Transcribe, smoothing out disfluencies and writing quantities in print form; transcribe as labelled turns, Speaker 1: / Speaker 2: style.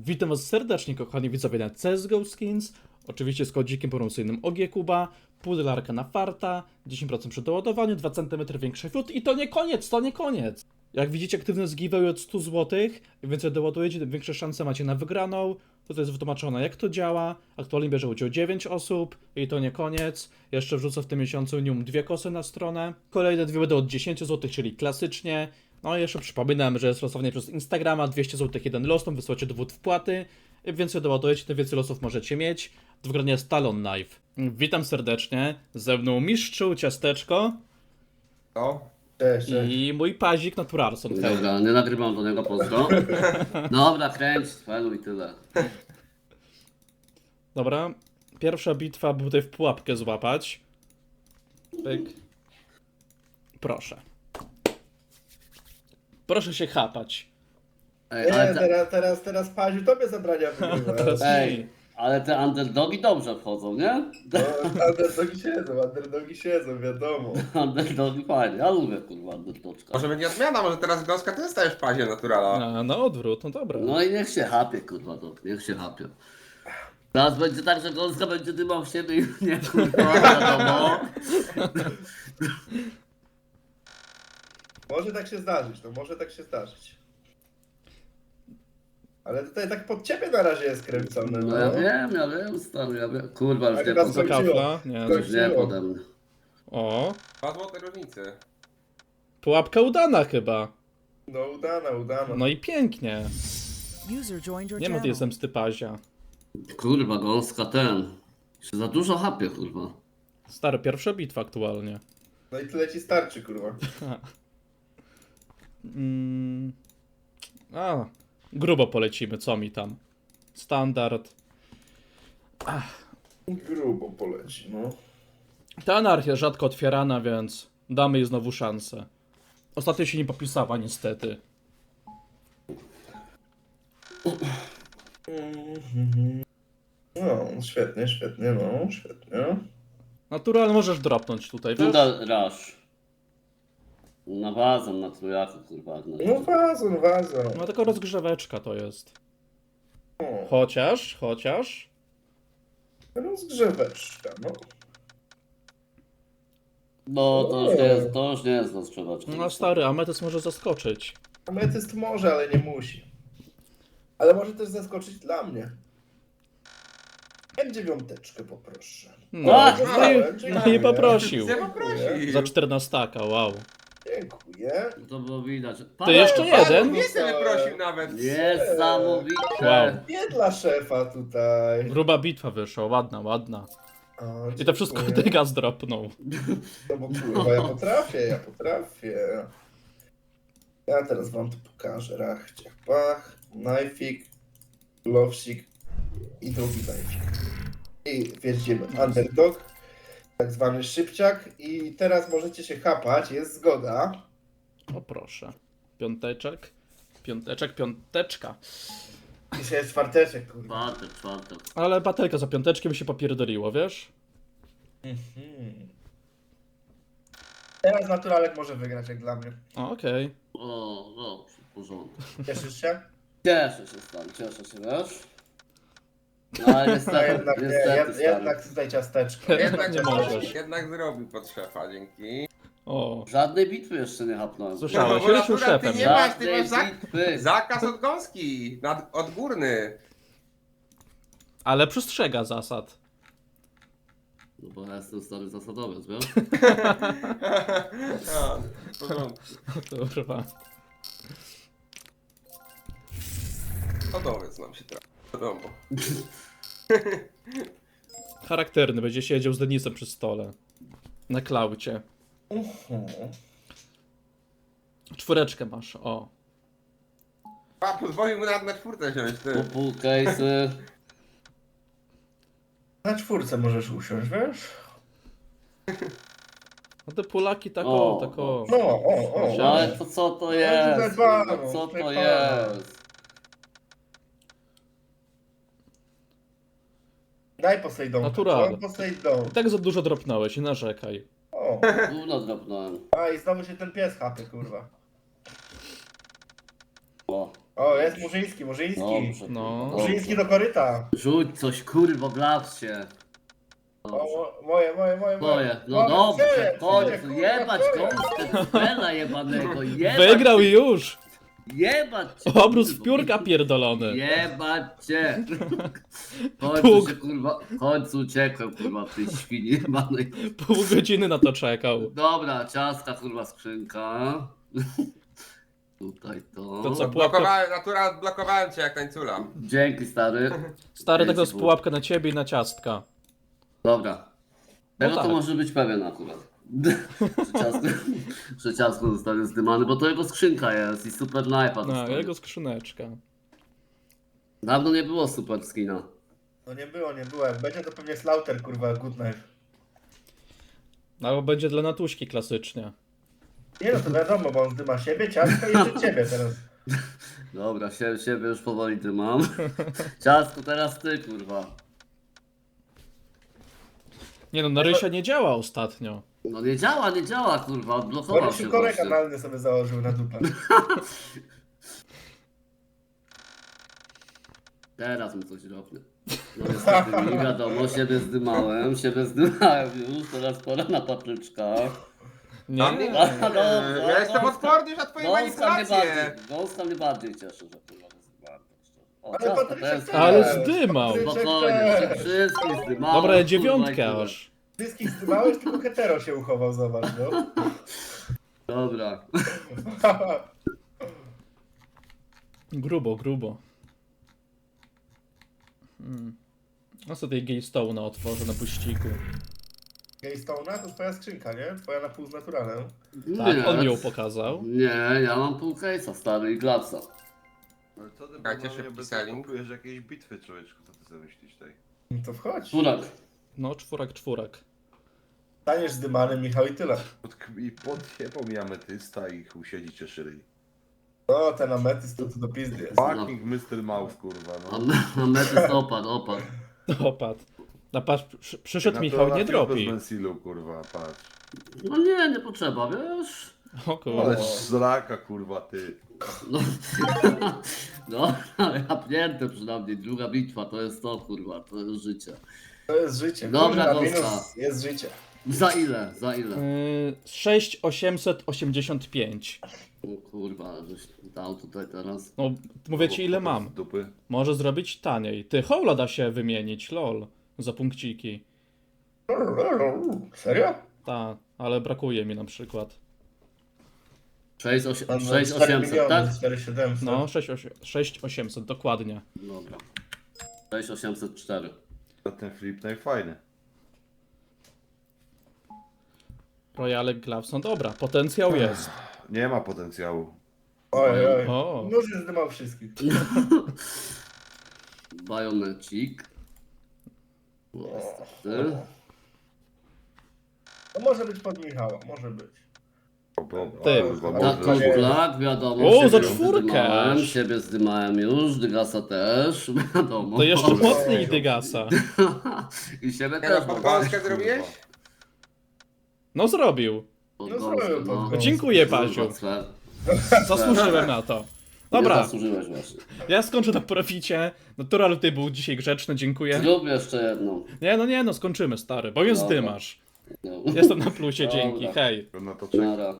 Speaker 1: Witam was serdecznie, kochani widzowie na CSGO Skins. Oczywiście z kodzikiem promocyjnym OGKuba, pudelarka na farta, 10% przy doładowaniu, 2 cm większy fiut i to nie koniec, to nie koniec! Jak widzicie, aktywny z giveaway od 100 zł, im więcej doładujecie, tym większe szanse macie na wygraną. Tutaj jest wytłumaczone, jak to działa. Aktualnie bierze udział 9 osób i to nie koniec. Jeszcze wrzucę w tym miesiącu minimum 2 kosy na stronę. Kolejne dwie będą od 10 zł, czyli klasycznie. No i jeszcze przypominam, że jest losowanie przez Instagrama, 200 zł jeden los, tam wysyłacie dowód wpłaty. Im więcej doładujecie, tym więcej losów możecie mieć. Do wygrania jest Talon Knife. Witam serdecznie, ze mną Mistrzu, Ciasteczko
Speaker 2: No, cześć.
Speaker 1: i mój pazik Naturalson.
Speaker 3: Dobra, nie nagrywam do niego pozdro. Dobra, kręć, felu i tyle.
Speaker 1: Dobra, pierwsza bitwa, by tutaj w pułapkę złapać. Pyk. Proszę. Proszę się chapać.
Speaker 3: Ej,
Speaker 2: Nie,
Speaker 3: ale
Speaker 2: teraz Paziu tobie zabrania wygrywa.
Speaker 1: Teraz
Speaker 3: ej,
Speaker 1: mi.
Speaker 3: ale te underdogi dobrze wchodzą, nie?
Speaker 2: No, underdogi siedzą, wiadomo.
Speaker 3: Underdogi fajnie, ja lubię kurwa underdoczka.
Speaker 4: Może będzie odmiana, może teraz Gąska ty zostajesz w pazie naturala.
Speaker 1: Na odwrót, no dobra.
Speaker 3: No i niech się hapie kurwa, to, niech się hapie. Teraz będzie tak, że Gąska będzie dymał w siebie i nie kurwa, wiadomo.
Speaker 2: Może tak się zdarzyć, no może tak się zdarzyć. Ale tutaj tak pod ciebie na razie jest kręcone,
Speaker 3: No ja wiem, stary, ja wiem. Kurwa, już
Speaker 2: Tak
Speaker 3: nie
Speaker 2: nas
Speaker 3: pode
Speaker 1: Za
Speaker 3: mnie.
Speaker 1: kafla? Nie.
Speaker 2: Skończyło.
Speaker 3: Już nie pode mnie.
Speaker 1: O,
Speaker 4: 2 złote różnicy.
Speaker 1: pułapka udana chyba.
Speaker 2: No udana.
Speaker 1: No i pięknie.
Speaker 5: User joined your
Speaker 1: Nie ma tej
Speaker 5: channel.
Speaker 1: zemsty pazia.
Speaker 3: Kurwa, Gąska ten. Się za dużo hapie, kurwa.
Speaker 1: Stary, pierwsza bitwa aktualnie.
Speaker 2: No i tyle ci starczy, kurwa.
Speaker 1: Grubo polecimy, co mi tam? Standard.
Speaker 2: Grubo poleci, no.
Speaker 1: Ta anarchia rzadko otwierana, więc damy jej znowu szansę. Ostatnio się nie popisała, niestety.
Speaker 2: No, świetnie, no, świetnie.
Speaker 1: Natural możesz dropnąć tutaj, wiesz?
Speaker 3: Tuda rush. Na wazon, na trójaku, kurwa.
Speaker 2: No wazon.
Speaker 1: No tylko rozgrzeweczka to jest.
Speaker 2: O,
Speaker 1: Chociaż...
Speaker 2: rozgrzeweczka, no.
Speaker 3: No, to już nie jest rozgrzewaczka.
Speaker 1: No stary, Ametys może zaskoczyć.
Speaker 2: Ametyst może, ale nie musi. Ale może też zaskoczyć dla mnie. M9 poproszę.
Speaker 1: No,
Speaker 3: A,
Speaker 1: no i poprosił.
Speaker 4: Chcę poprosić.
Speaker 1: Za 14, wow.
Speaker 2: Dziękuję.
Speaker 3: To było widać.
Speaker 1: To jeszcze jeden?
Speaker 4: Nie sobie wyprosił nawet.
Speaker 3: Niesamowite.
Speaker 1: Wow.
Speaker 2: Nie dla szefa tutaj.
Speaker 1: Gruba bitwa wyszła, ładna.
Speaker 2: O,
Speaker 1: I to wszystko
Speaker 2: dziękuję.
Speaker 1: Tyga zdropnął.
Speaker 2: No bo kurwa, ja potrafię. Ja teraz wam to pokażę. Rach, ciach, pach, knife'ik, glowsik i drugi knife'ik. I wjeździmy. Underdog, tak zwany szybciak. I teraz możecie się chapać, jest zgoda.
Speaker 1: O proszę. Piąteczka.
Speaker 2: Dzisiaj jest czwarteczek, kurwa.
Speaker 3: Czwartek.
Speaker 1: Ale batelka za piąteczkiem mi się popierdoliło, wiesz?
Speaker 2: Teraz naturalek może wygrać, jak dla mnie.
Speaker 1: O, okej.
Speaker 3: O, dobrze, w porządku.
Speaker 2: Cieszysz się?
Speaker 3: Cieszę się, stary, wiesz? No ale
Speaker 2: No
Speaker 3: niestety,
Speaker 2: jednak nie,
Speaker 3: niestety, stary.
Speaker 2: jednak tutaj ciasteczko.
Speaker 4: Jednak,
Speaker 1: Nie możesz.
Speaker 4: jednak zrobił pod szefa, dzięki.
Speaker 1: O,
Speaker 3: Żadnej bitwy jeszcze nie hapnąłem.
Speaker 1: słyszałeś,
Speaker 4: No, bo
Speaker 1: już był
Speaker 4: akurat ty
Speaker 1: szefem.
Speaker 4: nie
Speaker 1: nie?
Speaker 4: masz, ty
Speaker 3: Żadnej
Speaker 4: masz
Speaker 3: bitwy.
Speaker 4: zakaz od Gąski. Odgórny.
Speaker 1: Ale przestrzega zasad.
Speaker 3: No bo ja jestem stary zasadowiec, wiesz?
Speaker 4: A, w porządku.
Speaker 1: Kurwa.
Speaker 4: Hodowiec nam się trafi. Wiadomo.
Speaker 1: Charakterny, będzie siedział z Denisem przy stole. Na klaucie. Czwóreczkę masz, o.
Speaker 4: A, pozwolił mu na czwórkę wziąć, ty.
Speaker 3: Pół case'y.
Speaker 2: Na czwórce możesz usiąść, wiesz?
Speaker 1: No te Polaki tak
Speaker 3: O,
Speaker 1: tak o.
Speaker 2: No, o.
Speaker 3: No ale to co to jest?
Speaker 2: Zajebano,
Speaker 3: No, co to
Speaker 2: zajebano.
Speaker 3: jest?
Speaker 2: Daj Poseidon.
Speaker 1: Natural.
Speaker 2: Poseidon.
Speaker 1: I tak za dużo dropnąłeś, nie narzekaj.
Speaker 2: O.
Speaker 3: Gówno dropnąłem.
Speaker 2: A i znowu się ten pies chapie, kurwa.
Speaker 3: O.
Speaker 2: O, jest Murzyński.
Speaker 3: Dobrze.
Speaker 1: No.
Speaker 3: Dobrze.
Speaker 2: Murzyński do koryta.
Speaker 3: Rzuć coś, kurwa, blacz się.
Speaker 2: O, moje.
Speaker 3: Moje, no
Speaker 2: O,
Speaker 3: dobrze,
Speaker 2: tyle,
Speaker 3: w końcu,
Speaker 2: kurwa,
Speaker 3: jebać
Speaker 2: tyle.
Speaker 3: gąskę, cela jebanego, jebać
Speaker 1: Wygrał
Speaker 3: cię,
Speaker 1: już!
Speaker 3: jebać cię,
Speaker 1: Obrus
Speaker 3: kurwa.
Speaker 1: piórka pierdolony.
Speaker 3: Jebać cię. W końcu
Speaker 1: Puk.
Speaker 3: się, kurwa, w końcu uciekłem, kurwa, w tej świni jebanej.
Speaker 1: Pół godziny na to czekał.
Speaker 3: Dobra, ciastka, kurwa, skrzynka. Tutaj to.
Speaker 1: To co, pułapka...
Speaker 4: Blokowałem, natura, odblokowałem cię jak tańcula.
Speaker 3: Dzięki, stary.
Speaker 1: Stary, tak to
Speaker 3: Dzięki,
Speaker 1: jest pułapka na ciebie i na ciastka.
Speaker 3: Dobra. Tego
Speaker 1: tak.
Speaker 3: to może być pewien akurat. że ciastko zostanie zdymane, bo to jego skrzynka jest i super knajpa
Speaker 1: No,
Speaker 3: dostanie.
Speaker 1: jego skrzyneczka.
Speaker 3: Dawno nie było super skina.
Speaker 2: No nie było. Jak będzie to pewnie Slaughter, kurwa, Good Knife.
Speaker 1: Albo będzie dla Natuśki klasycznie.
Speaker 2: Nie no, to wiadomo, bo on zdyma siebie, ciastko i jeszcze ciebie teraz.
Speaker 3: Dobra, siebie już powoli dymam. Ciastko, teraz ty, kurwa.
Speaker 1: Nie no, Narysia nie działa ostatnio.
Speaker 3: No nie działa, kurwa, odblokował
Speaker 2: Bo
Speaker 3: się
Speaker 2: się korek
Speaker 3: właśnie.
Speaker 2: analny sobie założył na dupę.
Speaker 3: Teraz mi coś robię. No niestety mi wiadomo, siebie zdymałem już, teraz pora na papryczka.
Speaker 1: Nie?
Speaker 4: Ja jestem odporny już na twoje manipulacje.
Speaker 3: Gąska mnie bardziej cieszy, że kurwa go zdymałem. tak szczerze. O,
Speaker 2: Ale
Speaker 3: ciastko,
Speaker 2: Patryczek
Speaker 3: to jest...
Speaker 2: też.
Speaker 1: Ale zdymał.
Speaker 3: Spokojnie, wszystkich zdymałem.
Speaker 1: Dobra,
Speaker 3: kurwa,
Speaker 1: dziewiątkę
Speaker 3: i tyle.
Speaker 1: aż.
Speaker 2: Wszystkich zdymałeś, tylko hetero się uchował, zobacz, no.
Speaker 3: Dobra.
Speaker 1: Grubo. No co tej Gaystone'a otworzę na puściku.
Speaker 2: Gaystone'a to twoja skrzynka, nie? Twoja na pół z naturalem.
Speaker 1: Tak, on mi ją pokazał.
Speaker 3: Nie, ja mam pół case'a, stary, i glaca.
Speaker 6: Ale co ty
Speaker 4: Czekajcie,
Speaker 6: normalnie
Speaker 4: szybki
Speaker 6: bez
Speaker 4: selling.
Speaker 6: blokujesz jakieś bitwy, człowieczku, co ty sobie myślisz tej?
Speaker 2: No to wchodź.
Speaker 3: Furak.
Speaker 1: No, czwórak.
Speaker 2: Staniesz zdymany, Michał, i tyle.
Speaker 6: I podjebał mi ametysta i chuj siedzi cieszy ryj.
Speaker 2: No, ten ametyst to do pizdy jest.
Speaker 6: Fucking Mr. Mouse, kurwa, no.
Speaker 3: A metys opadł.
Speaker 1: Opadł. No patrz, przyszedł
Speaker 6: Na
Speaker 1: Michał,
Speaker 6: to
Speaker 1: nie
Speaker 6: na
Speaker 1: dropi.
Speaker 6: z Mensilu, kurwa, patrz.
Speaker 3: No nie potrzeba, wiesz?
Speaker 1: O
Speaker 6: Ale
Speaker 1: kurde.
Speaker 6: zraka, kurwa, ty.
Speaker 3: No, no ale napnięte przynajmniej. Druga bitwa to jest to, kurwa, to jest życie.
Speaker 2: To jest życie.
Speaker 3: Dobra,
Speaker 2: Kurwa,
Speaker 3: Gąska.
Speaker 2: minus jest życie.
Speaker 3: Za ile?
Speaker 1: 6885.
Speaker 3: O kurwa, żeś dał tutaj teraz.
Speaker 1: No, mówię ci ile mam.
Speaker 6: Z dupy.
Speaker 1: Może zrobić taniej. Ty, Howla da się wymienić, lol. Za punkciki.
Speaker 2: Serio?
Speaker 1: Ta, ale brakuje mi na przykład.
Speaker 3: 6800, tak?
Speaker 2: 4700.
Speaker 1: No, 6800, dokładnie.
Speaker 3: Dobra. 6804.
Speaker 6: To ten flip najfajny.
Speaker 1: Royale Gloves, no dobra, potencjał jest.
Speaker 6: Nie ma potencjału.
Speaker 2: Oj.
Speaker 1: O.
Speaker 2: Nóż już zdymał wszystkich.
Speaker 3: Bajonecik. Niestety.
Speaker 2: No może być pod Michała, może być.
Speaker 1: Ty.
Speaker 6: Kurwa,
Speaker 2: Na
Speaker 6: może.
Speaker 2: nie.
Speaker 3: Black, wiadomo.
Speaker 1: O,
Speaker 3: siebie
Speaker 1: za
Speaker 3: już
Speaker 1: czwórkę
Speaker 3: zdymałem,
Speaker 1: aż.
Speaker 3: Siebie zdymałem już, Dygasa też, wiadomo.
Speaker 1: To jeszcze
Speaker 6: Oj.
Speaker 1: mocniej Dygasa.
Speaker 3: I siebie
Speaker 4: Nie no,
Speaker 3: też
Speaker 4: pod
Speaker 3: mam.
Speaker 4: Polskę zrobiłeś?
Speaker 1: No zrobił.
Speaker 3: Pod
Speaker 2: No
Speaker 3: gąskę,
Speaker 2: zrobił pod gąskę.
Speaker 1: Dziękuję, Paziu.
Speaker 3: Sfer.
Speaker 1: Zasłużyłem na to.
Speaker 3: Nie
Speaker 1: Dobra,
Speaker 3: zasłużyłeś właśnie.
Speaker 1: ja skończę na proficie. Natural ty był dzisiaj grzeczny, dziękuję.
Speaker 3: Zrób jeszcze jedną.
Speaker 1: Nie, no skończymy stary, bo mnie
Speaker 3: Dobra.
Speaker 1: zdymasz.
Speaker 3: No.
Speaker 1: Jestem na plusie, dzięki,
Speaker 3: Dobra.
Speaker 1: hej.
Speaker 6: Na to czeka.
Speaker 3: Nara.